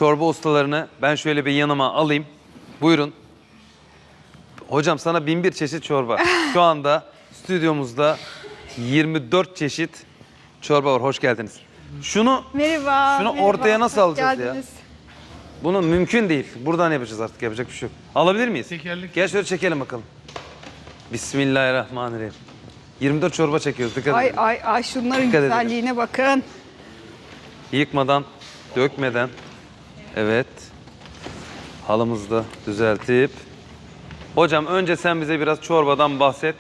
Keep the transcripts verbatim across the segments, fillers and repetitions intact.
çorba ustalarını ben şöyle bir yanıma alayım. Buyurun. Hocam sana bin bir çeşit çorba. Şu anda stüdyomuzda yirmi dört çeşit çorba var. Hoş geldiniz. Şunu Merhaba. Şunu merhaba, ortaya nasıl hoş alacağız ya? geldiniz. Bunu mümkün değil. Buradan yapacağız artık. Yapacak bir şey yok. Alabilir miyiz? Tekerlek. Gel şöyle çekelim bakalım. Bismillahirrahmanirrahim. yirmi dört çorba çekiyoruz. Dikkat Ay edin. ay ay şunların Dikkat edin. güzelliğine bakın. Yıkmadan, dökmeden. Evet. Halımızı da düzeltip. Hocam önce sen bize biraz çorbadan bahset.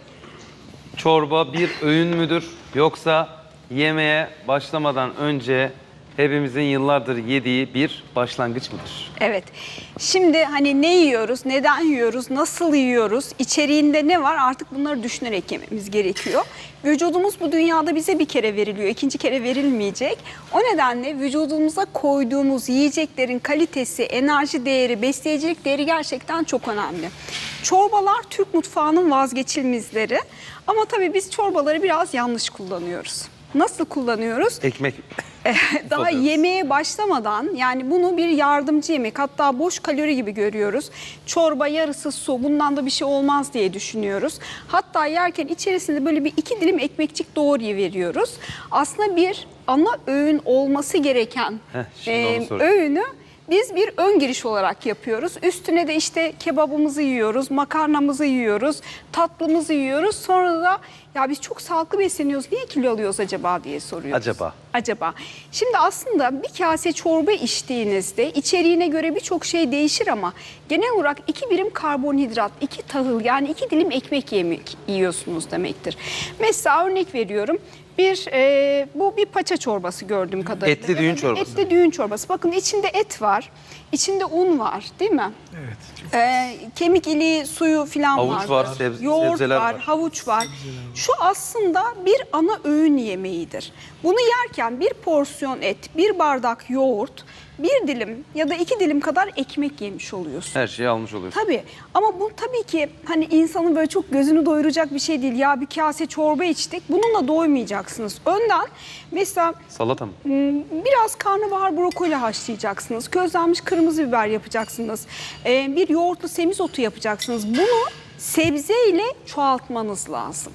Çorba bir öğün müdür? Yoksa yemeğe başlamadan önce hepimizin yıllardır yediği bir başlangıç mıdır? Evet. Şimdi hani ne yiyoruz, neden yiyoruz, nasıl yiyoruz, içeriğinde ne var artık bunları düşünerek yememiz gerekiyor. Vücudumuz bu dünyada bize bir kere veriliyor, ikinci kere verilmeyecek. O nedenle vücudumuza koyduğumuz yiyeceklerin kalitesi, enerji değeri, besleyicilik değeri gerçekten çok önemli. Çorbalar Türk mutfağının vazgeçilmezleri ama tabii biz çorbaları biraz yanlış kullanıyoruz. Nasıl kullanıyoruz? Ekmek. Daha Oluyoruz. yemeğe başlamadan yani bunu bir yardımcı yemek hatta boş kalori gibi görüyoruz. Çorba yarısı su bundan da bir şey olmaz diye düşünüyoruz. Hatta yerken içerisinde böyle bir iki dilim ekmekçik doğruyu veriyoruz. Aslında bir ana öğün olması gereken Heh, şimdi onu e, sorayım. öğünü biz bir ön giriş olarak yapıyoruz. Üstüne de işte kebabımızı yiyoruz, makarnamızı yiyoruz, tatlımızı yiyoruz. Sonra da ya biz çok sağlıklı besleniyoruz, niye kilo alıyoruz acaba diye soruyoruz. Acaba? Acaba. Şimdi aslında bir kase çorba içtiğinizde içeriğine göre birçok şey değişir ama genel olarak iki birim karbonhidrat, iki tahıl yani iki dilim ekmek yemek yiyorsunuz demektir. Mesela örnek veriyorum. Bir e, bu bir paça çorbası gördüğüm kadarıyla. Etli düğün çorbası. Etli düğün çorbası. Bakın içinde et var, içinde un var, değil mi? Evet. Ee, kemik iliği suyu falan Havuç vardır. var, sebze- Yoğurt sebzeler var, var. havuç var. Şu aslında bir ana öğün yemeğidir. Bunu yerken bir porsiyon et, bir bardak yoğurt, bir dilim ya da iki dilim kadar ekmek yemiş oluyorsun. Her şeyi almış oluyorsun. Tabii ama bu tabii ki hani insanın böyle çok gözünü doyuracak bir şey değil. Ya bir kase çorba içtik bununla doymayacaksınız. Önden mesela Salata mı? biraz karnabahar brokoli haşlayacaksınız. Közlenmiş kırmızı biber yapacaksınız. Ee, bir yoğurtlu semizotu yapacaksınız. Bunu sebzeyle çoğaltmanız lazım.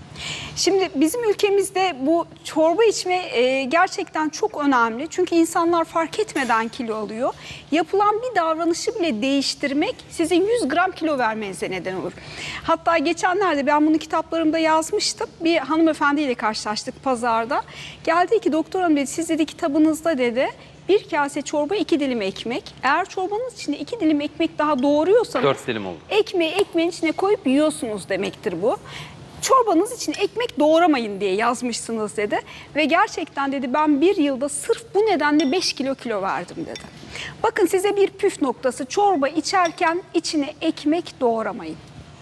Şimdi bizim ülkemizde bu çorba içme e, gerçekten çok önemli. Çünkü insanlar fark etmeden kilo alıyor. Yapılan bir davranışı bile değiştirmek sizin yüz gram kilo vermenize neden olur. Hatta geçenlerde ben bunu kitaplarımda yazmıştım. Bir hanımefendiyle karşılaştık pazarda. Geldi ki doktor hanım dedi siz dedi kitabınızda dedi bir kase çorba iki dilim ekmek. Eğer çorbanız içinde iki dilim ekmek daha doğruyorsanız Dört dilim oldu. ekmeği ekmeğin içine koyup yiyorsunuz demektir bu. Çorbanız için ekmek doğramayın diye yazmışsınız dedi. Ve gerçekten dedi ben bir yılda sırf bu nedenle beş kilo kilo verdim dedi. Bakın size bir püf noktası çorba içerken içine ekmek doğramayın.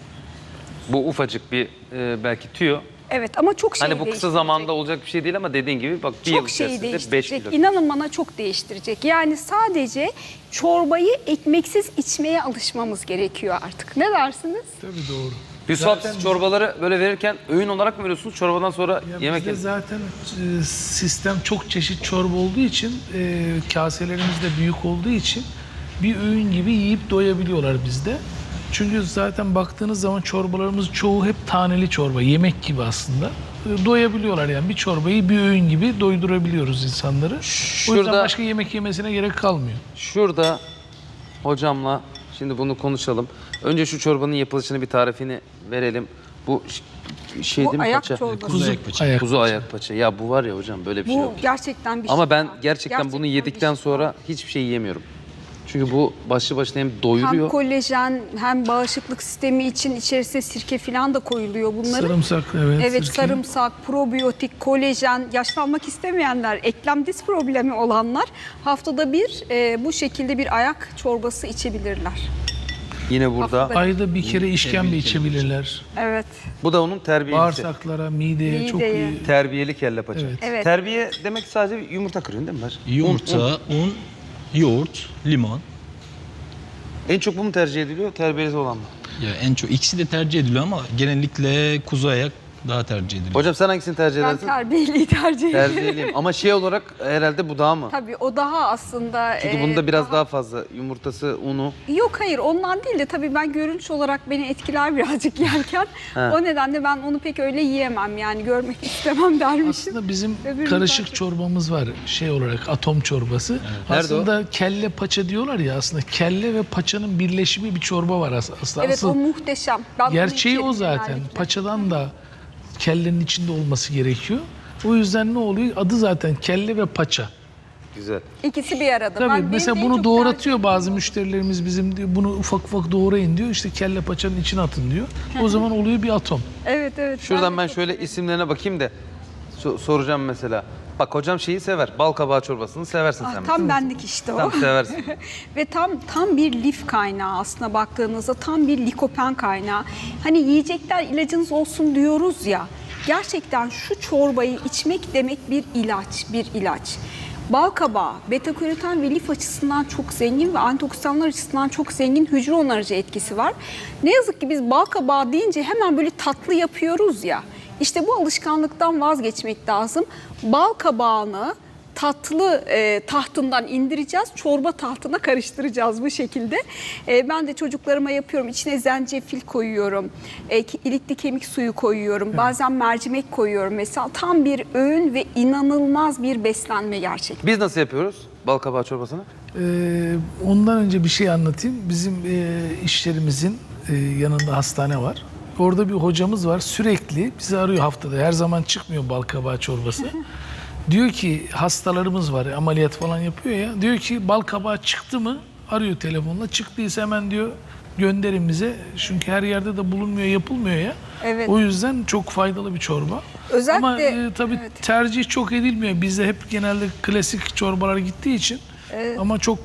Bu ufacık bir e, belki tüyo. Evet ama çok şey Hani bu kısa değiştirecek. zamanda olacak bir şey değil ama dediğin gibi bak bir yıl Çok şeyi içerisinde beş değiştirecek. kilo. İnanın bana çok değiştirecek. Yani sadece çorbayı ekmeksiz içmeye alışmamız gerekiyor artık. Ne dersiniz? Tabii doğru. Yusuf Zaten siz çorbaları böyle verirken öğün olarak mı veriyorsunuz? Çorbadan sonra Ya yemek bizde yemek. zaten e, sistem çok çeşit çorba olduğu için e, kaselerimiz de büyük olduğu için bir öğün gibi yiyip doyabiliyorlar bizde. Çünkü zaten baktığınız zaman çorbalarımız çoğu hep taneli çorba, yemek gibi aslında. E, doyabiliyorlar yani bir çorbayı bir öğün gibi doydurabiliyoruz insanları. O yüzden Şurada- başka yemek yemesine gerek kalmıyor. Şurada hocamla şimdi bunu konuşalım. Önce şu çorbanın yapılışını bir tarifini verelim. Bu ş- şey Bu değil mi ayak paça? çorbası. Kuzu ayak paça. ayak Kuzu ayak paça. Ya bu var ya hocam böyle bir şey Bu yok. gerçekten bir şey. Ama ben var. gerçekten, bunu bir yedikten şey sonra var. hiçbir şey yiyemiyorum. Çünkü bu başlı başına hem Hem doyuruyor. kolajen hem bağışıklık sistemi için içerisine sirke falan da koyuluyor bunların. Sarımsak, evet. Evet sirke. sarımsak, probiyotik, kolajen, yaşlanmak istemeyenler, eklem diz problemi olanlar haftada bir e, bu şekilde bir ayak çorbası içebilirler. Yine burada. Haftada- Ayda bir kere işkembe içebilirler. Evet. Bu da onun terbiyesi. Bağırsaklara, mideye, çok Mideye. iyi. Terbiyeli kelle paça. Evet. Evet. Terbiye demek sadece bir yumurta kırıyorsun değil mi? Baş? Yumurta, Un, un. un, yoğurt, limon. En çok bu mu tercih ediliyor? Terbiyesi olan mı? Ya en çok ikisi de tercih ediliyor ama genellikle kuzu ayak daha tercih ediliyor. Hocam sen hangisini tercih Ben edersin? terbiyeliyi tercih ederim. Terbiyeliyim. Ama şey olarak herhalde bu daha mı? Tabii o daha aslında... Çünkü e, bunda biraz daha fazla yumurtası, unu. Yok hayır ondan değil de tabii ben görünüş olarak beni etkiler birazcık yerken. Ha. O nedenle ben onu pek öyle yiyemem yani görmek istemem dermişim. Aslında bizim Öbürünü karışık fark çorbamız var şey olarak atom çorbası. Nerede Aslında kelle paça diyorlar ya aslında kelle ve paçanın birleşimi bir çorba var as- aslında. Evet Asıl o muhteşem. Ben onu gerçeği içerim o zaten. genellikle. Paçadan da kellenin içinde olması gerekiyor. O yüzden ne oluyor? Adı zaten kelle ve paça. Güzel. İkisi bir arada. Tabii Ben- benim mesela de en bunu çok doğratıyor tercih- bazı müşterilerimiz bizim diyor. Bunu ufak ufak doğrayın diyor. İşte kelle paçanın içine atın diyor. O zaman oluyor bir atom. Evet evet. Şuradan de ben çok şöyle severim. isimlerine bakayım da so- soracağım mesela. Bak hocam şeyi sever. Bal kabağı çorbasını seversin Ah, sen. tam benlik işte o. Tam seversin. Ve tam tam bir lif kaynağı aslında baktığınızda tam bir likopen kaynağı. Hani yiyecekler ilacınız olsun diyoruz ya. Gerçekten şu çorbayı içmek demek bir ilaç, bir ilaç. Bal kabağı, beta karoten ve lif açısından çok zengin ve antioksidanlar açısından çok zengin hücre onarıcı etkisi var. Ne yazık ki biz bal kabağı deyince hemen böyle tatlı yapıyoruz ya. İşte bu alışkanlıktan vazgeçmek lazım. Bal kabağını tatlı e, tahtından indireceğiz, çorba tahtına karıştıracağız bu şekilde. E, ben de çocuklarıma yapıyorum. İçine zencefil koyuyorum, e, ki- ilikli kemik suyu koyuyorum, bazen mercimek koyuyorum. Mesela tam bir öğün ve inanılmaz bir beslenme gerçekten. Biz nasıl yapıyoruz bal kabağı çorbasını? Ee, ondan önce bir şey anlatayım. Bizim e, işlerimizin e, yanında hastane var. Orada bir hocamız var. Sürekli bizi arıyor haftada. Her zaman çıkmıyor bal kabağı çorbası. Diyor ki hastalarımız var. Ameliyat falan yapıyor ya. Diyor ki bal kabağı çıktı mı? Arıyor telefonla. Çıktıysa hemen diyor gönderin bize. Çünkü her yerde de bulunmuyor, yapılmıyor ya. Evet. O yüzden çok faydalı bir çorba. Özellikle- Ama e, tabii evet. tercih çok edilmiyor. Bizde hep genelde klasik çorbalar gittiği için. Ama çok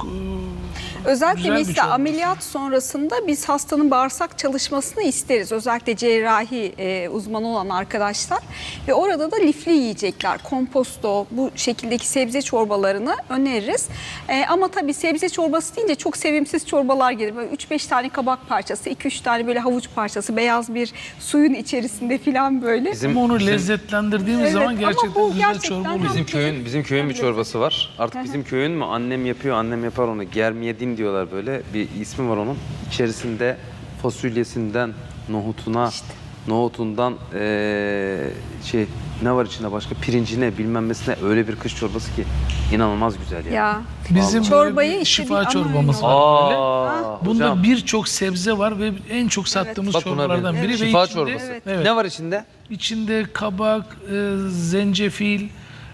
e, Özellikle güzel bir mesela çorba. ameliyat sonrasında biz hastanın bağırsak çalışmasını isteriz. Özellikle cerrahi e, uzmanı olan arkadaşlar. Ve orada da lifli yiyecekler, komposto, bu şekildeki sebze çorbalarını öneririz. E, ama tabii sebze çorbası deyince çok sevimsiz çorbalar gelir. Böyle üç beş tane kabak parçası, iki üç tane böyle havuç parçası, beyaz bir suyun içerisinde falan böyle. Bizim, Ama onu bizim, lezzetlendirdiğimiz Evet, zaman ama gerçekten bu güzel gerçekten çorba hem- oluyor. bizim köyün bizim köyün bir çorbası var. Artık bizim köyün mü? Annem yapıyor, annem yapar onu. Germiyedim diyorlar böyle. Bir ismi var onun. İçerisinde fasulyesinden nohutuna, nohutundan eee, şey ne var içinde başka pirincine bilmem nesine öyle bir kış çorbası ki inanılmaz güzel yani. Ya. Bizim böyle Çorbayı bir işte bir şifa ana çorbamız öğün var böyle. Aa, Bunda hocam. birçok sebze var ve en çok sattığımız Bak buna çorbalardan benziyor. biri. Ve Şifa içinde- çorbası. Evet. Evet. Ne var içinde? İçinde kabak, e, zencefil,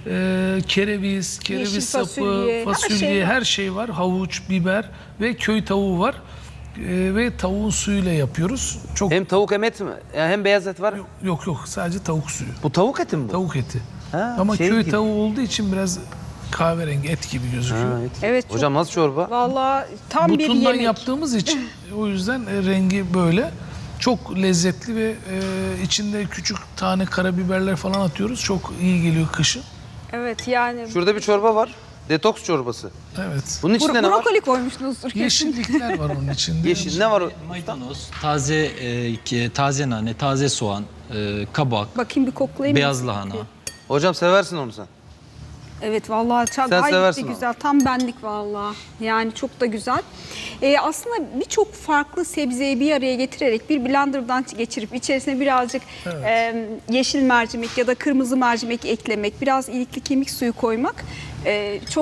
e, kereviz, kereviz Yeşil sapı, fasulye, fasulye, her her şey şey, var. var. Havuç, biber ve köy tavuğu var. E, ve tavuğun suyuyla yapıyoruz. Çok Hem tavuk hem et mi? Yani hem beyaz et var. yok yok sadece tavuk suyu. Bu tavuk eti mi bu? Tavuk eti. Ha, Ama şey köy gibi. tavuğu olduğu için biraz kahverengi et gibi gözüküyor. Ha, et. Evet, çok- Hocam nasıl çorba? Vallahi tam bir Butundan yemek. yaptığımız için o yüzden e, rengi böyle. Çok lezzetli ve e, içinde küçük tane karabiberler falan atıyoruz. Çok iyi geliyor kışın. Evet yani Şurada bir çorba var. Detoks çorbası. Evet. Bunun içinde bro- ne var? brokoli koymuşsunuzdur kesin. Yeşillikler var onun içinde. Yeşil ne var? o? Maydanoz, taze e, ki- taze nane, taze soğan, e, kabak, Bakayım bir koklayayım. beyaz lahana. Hocam seversin onu sen. Evet vallahi çok Sen gayet de seversin onu. güzel. Tam benlik vallahi. Yani çok da güzel. Ee, aslında birçok farklı sebzeyi bir araya getirerek bir blenderdan geçirip içerisine birazcık e, yeşil mercimek ya da kırmızı mercimek eklemek, biraz ilikli kemik suyu koymak e, çok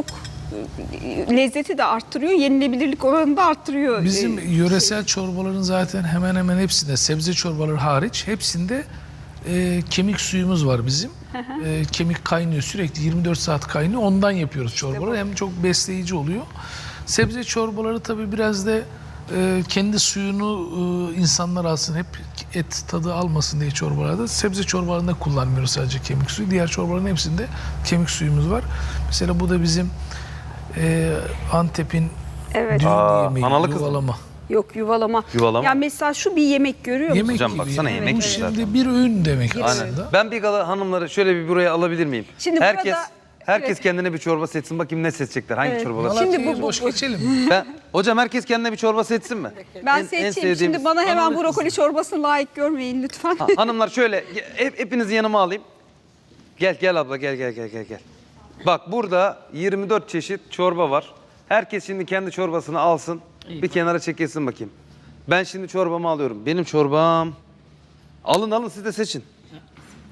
e, lezzeti de arttırıyor, yenilebilirlik oranını da arttırıyor. Bizim Ee, yöresel çorbaların zaten hemen hemen hepsinde, sebze çorbaları hariç hepsinde e, kemik suyumuz var bizim. E, kemik kaynıyor sürekli yirmi dört saat kaynıyor. Ondan yapıyoruz çorbaları. Hem çok besleyici oluyor. Sebze çorbaları tabii biraz da e, kendi suyunu e, insanlar alsın. Hep et tadı almasın diye çorbalarda. Sebze çorbalarında kullanmıyoruz sadece kemik suyu. Diğer çorbaların hepsinde kemik suyumuz var. Mesela bu da bizim e, Antep'in Evet. düğün Aa, yemeği, analı kız mı? yuvalama. Yok yuvalama. Yuvalama. Ya mesela şu bir yemek görüyor musun? Yemek Hocam gibi. baksana, yani. yemek Bu gibi şimdi zaten. bir öğün demek Bir aslında. Ben bir gala hanımları şöyle bir buraya alabilir miyim? Şimdi Herkes burada Herkes kendine bir çorba seçsin, bakayım ne seçecekler, hangi Evet. çorbalar. Şimdi Malatya'yı bu- bu- boş bu- geçelim. Ben, hocam herkes kendine bir çorba seçsin mi? Ben En- en seçeyim. sevdiğimiz- Şimdi bana hemen Bana da brokoli çorbasını layık görmeyin lütfen. Ha, hanımlar şöyle, hep, hepinizi yanıma alayım. Gel, gel abla, gel, gel, gel, gel, gel. Bak burada yirmi dört çeşit çorba var. Herkes şimdi kendi çorbasını alsın, bir kenara çekilsin bakayım. Ben şimdi çorbamı alıyorum. Benim çorbam... Alın alın, siz de seçin.